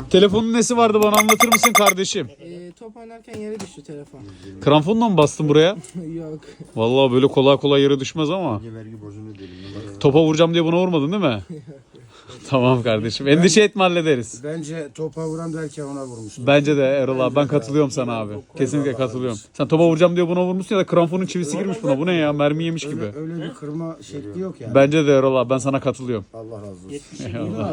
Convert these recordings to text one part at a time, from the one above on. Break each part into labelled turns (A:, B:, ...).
A: Telefonun nesi vardı, bana anlatır mısın kardeşim?
B: Top oynarken yere düştü telefon.
A: Kramponla mı bastın buraya?
B: Yok.
A: Vallahi böyle kolay kolay yere düşmez ama.
C: Vergi borcunu ödeyelim.
A: Topa vuracağım diye buna vurmadın değil mi? Tamam kardeşim. Endişe etme, hallederiz.
C: Bence topa vuran derken ona vurmuştu.
A: Bence de Erol abi, ben katılıyorum sana abi. Kesinlikle katılıyorum. Sen topa vuracağım diye buna vurmuşsun ya da kramponun çivisi girmiş buna. Bu ne ya? Mermi yemiş gibi.
C: Öyle bir kırma şekli yok yani.
A: Bence de Erol abi, ben sana katılıyorum.
C: Allah razı olsun.
A: Eyvallah.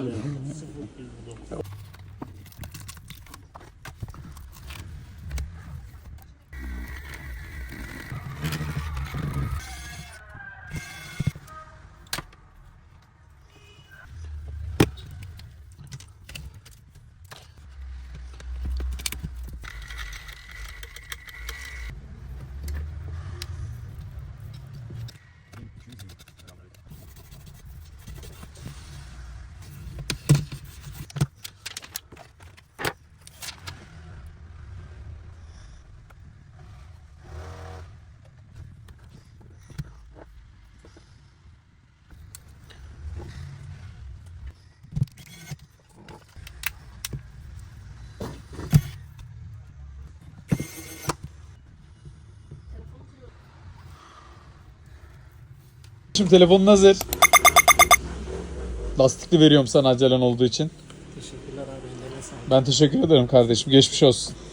A: Şimdi telefonun hazır. Lastikli veriyorum sana acelen olduğu için.
B: Teşekkürler abi. Ellerine sağlık.
A: Ben teşekkür ederim kardeşim. Geçmiş olsun.